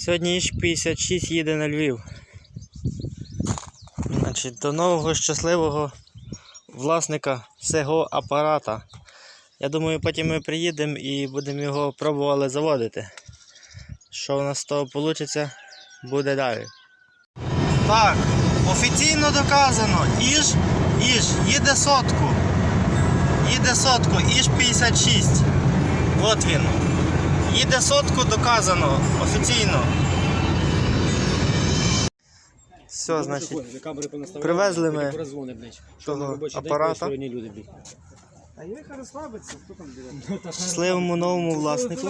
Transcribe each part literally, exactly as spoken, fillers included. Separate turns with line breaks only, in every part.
Сьогодні Іж п'ятдесят шість їде на Львів. Значить, до нового щасливого власника цього апарата. Я думаю, потім ми приїдемо і будемо його пробували заводити. Що у нас з того вийде, буде далі. Так, офіційно доказано. Іж, Іж, їде сотку. Їде сотку, Іж п'ятдесят шість. От він. Їде сотку, доказано, офіційно. Все, значить, привезли ми того апарата.
А я їх розслабиться, хто там буде?
Щасливому новому власнику.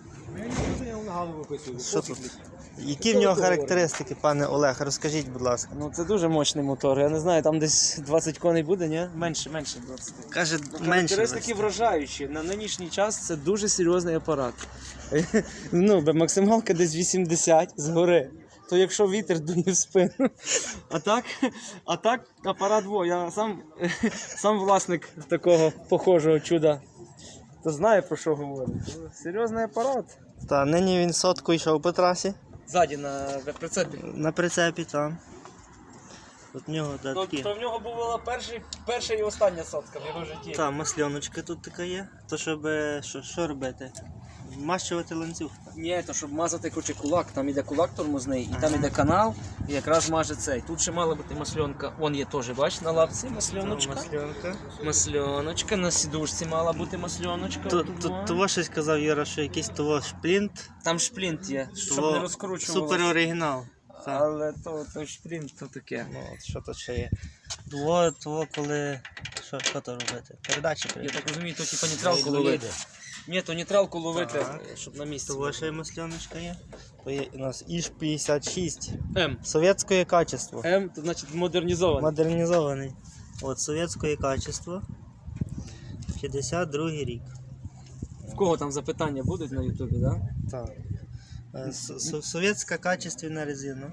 Що тут? Які в нього характеристики, пане Олег? Розкажіть, будь ласка.
Ну це дуже мощний мотор. Я не знаю, там десь двадцять коней буде, ні? Менше, менше двадцять.
Каже, менше.
Характеристики вражаючі. На нинішній час це дуже серйозний апарат. Ну, максималка десь вісімдесят згори. То якщо вітер дує в спину. А так, а так апарат, во, я сам, сам власник такого похожого чуда. То знає, про що говорить. Серйозний апарат.
Та, нині він сотку йшов по трасі.
Ззаді на прицепі.
На прицепі, там. Тут в нього да,
То,
такі.
то в нього була перший, перша і остання сотка в його житті.
Та, масльоночка тут така є. То щоб, що, що робити? Вмащувати ланцюг.
Ні, то щоб мазати коротше, кулак, там іде кулак тормозний, і там іде канал, і якраз маже цей. Тут ще мала бути масльонка, вон є теж, бач, на лапці масльоночка.
Масльонка.
Масльоночка, на сідушці мала бути масльоночка.
То,
отут,
то,
во.
того щось казав Юра, що якийсь того шплінт.
Там шплінт є, щоб
Того
не розкручувалося.
Супер оригінал. Так.
Але то, то шплінт, то таке.
Ну, от що тут ще є? Того, того коли... Що, що то робити? Передачі
Я
прийде.
так розумію, то типа нейтралку ловити. Ні, то нейтралку ловити,
Так.
щоб на місці.
Того ще й масльоночка є. То є у нас Іж п'ятдесят шість.
М.
Совєтське качество.
М, то значить модернізований.
Модернізований. От, совєтське качество. п'ятдесят другий рік.
В кого там запитання будуть на ютубі, так? Да?
Так. Е, с- с- Совєтська качественна резина.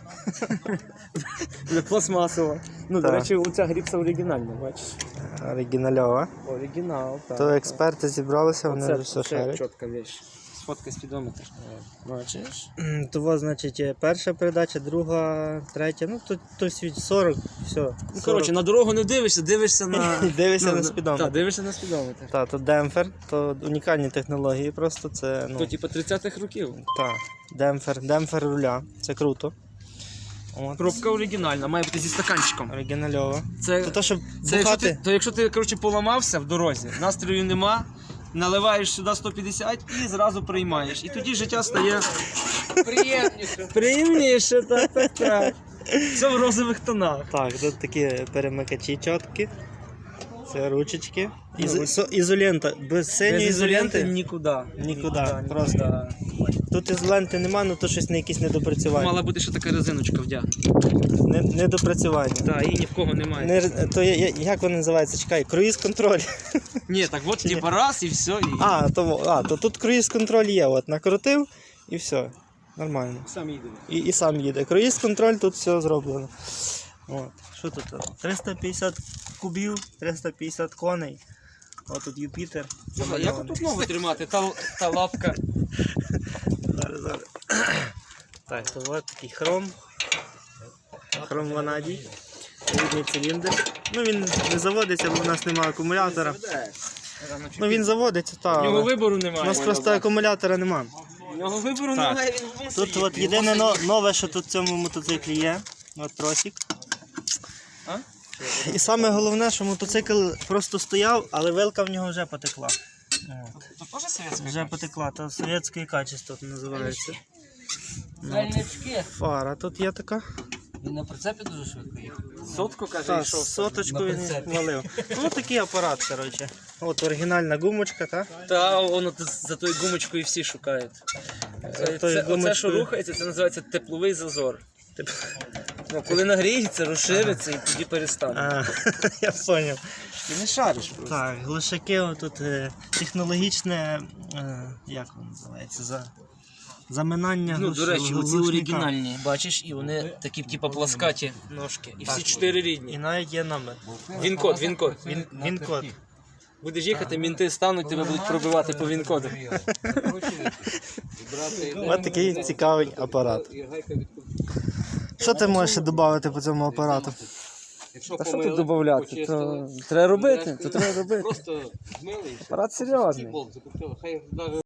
Пластмасова. Ну, до
Так.
речі, оця гріпса оригінальна, бачиш?
Оригінальова.
Оригінал, так.
То експерти зібралися, вони вже все шарять.
чітка вещь. Сфоткай спідометр. Бачиш?
М, Того, значить, є перша передача, друга, третя, ну то, то світ сорок, все.
Ну, коротше, на дорогу не дивишся, дивишся на...
Дивишся
ну,
на спідометр.
Так, дивишся на спідометр.
Так, то демпфер, то унікальні технології просто, це, ну,
То, типу, тридцятих років.
так, демпфер, демпфер руля, це круто. От.
Пробка оригінальна, має бути зі стаканчиком.
Оригінальова.
Це,
То, то щоб
це якщо
бухати,
ти, то якщо ти, коротше, поламався в дорозі, настрою нема, наливаєш сюди сто п'ятдесят і зразу приймаєш. І тоді життя стає приємніше. Приємніше, так, так, так. Все в розових тонах.
так, тут такі перемикачі чіткі, це ручечки, Із,
Ну,
со- ізолента, без синьої
Без ізоленти
ізоленти
нікуди.
нікуди, просто. Тут ізоленти нема, ну то щось не якісь недопрацювання.
Мала бути ще така резиночка вдягнута.
Не, недопрацювання.
Так, її ні в кого немає.
Не, то є- є- як воно називається? Чекай, круїз-контроль.
Ні, так от типа раз і все. І...
А, то, а, то тут круїз-контроль є, от накрутив і все. Нормально.
Сам їде.
І, і сам їде. Круїз-контроль, тут все зроблено. От. Що тут? триста п'ятдесят кубів, триста п'ятдесят коней. От тут Юпітер.
А як тут ногу тримати? Та, та лапка.
Зараз, зараз. Так, то от такий хром. Хром ванадій. Рідний циліндр. Ну він не заводиться, бо в нас немає акумулятора. Ну він заводиться,
У
так.
нього
Але
вибору
у
немає.
нас просто акумулятора немає.
У нього вибору
Так.
немає, він в мусорі.
Тут от єдине но- нове, що тут в цьому мотоциклі є. От тросик.
А?
І саме головне, що мотоцикл просто стояв, але вилка в нього вже потекла. От.
Тут теж совєтська?
Вже потекла, то совєтське качество називається.
Дальнячки.
Фара тут є така.
Він на прицепі дуже швидко їхав.
Сотку, каже,
Та,
йшов.
соточку
на
він
прицепі.
валив. Ну такий апарат, коротше. От оригінальна гумочка, так?
Та воно т- за тою гумочкою всі шукають. Це,
тою
це, оце,
гумочкою.
що рухається, це називається тепловий зазор. Ну, коли нагріється, розшириться і тоді перестане.
А, я зрозумів.
Ти не шариш просто.
Так, глушаки тут е, технологічне, е, як воно називається, за, заминання
Ну,
глуш-
до речі, оці
глушника.
оригінальні, бачиш, і вони такі, типу, пласкаті ножки. І всі
Так.
чотири
І
рідні.
навіть є номер.
Він-код, він-код.
Він, він код.
Будеш їхати, мінти стануть, тебе будуть пробивати по він-коду.
Ось такий цікавий апарат. Що ти можеш ще додати по цьому апарату?
Та що тут додати? То треба робити, то треба робити.
Просто змили і все.
Апарат серйозний.
Болт закрутили. Хай навіть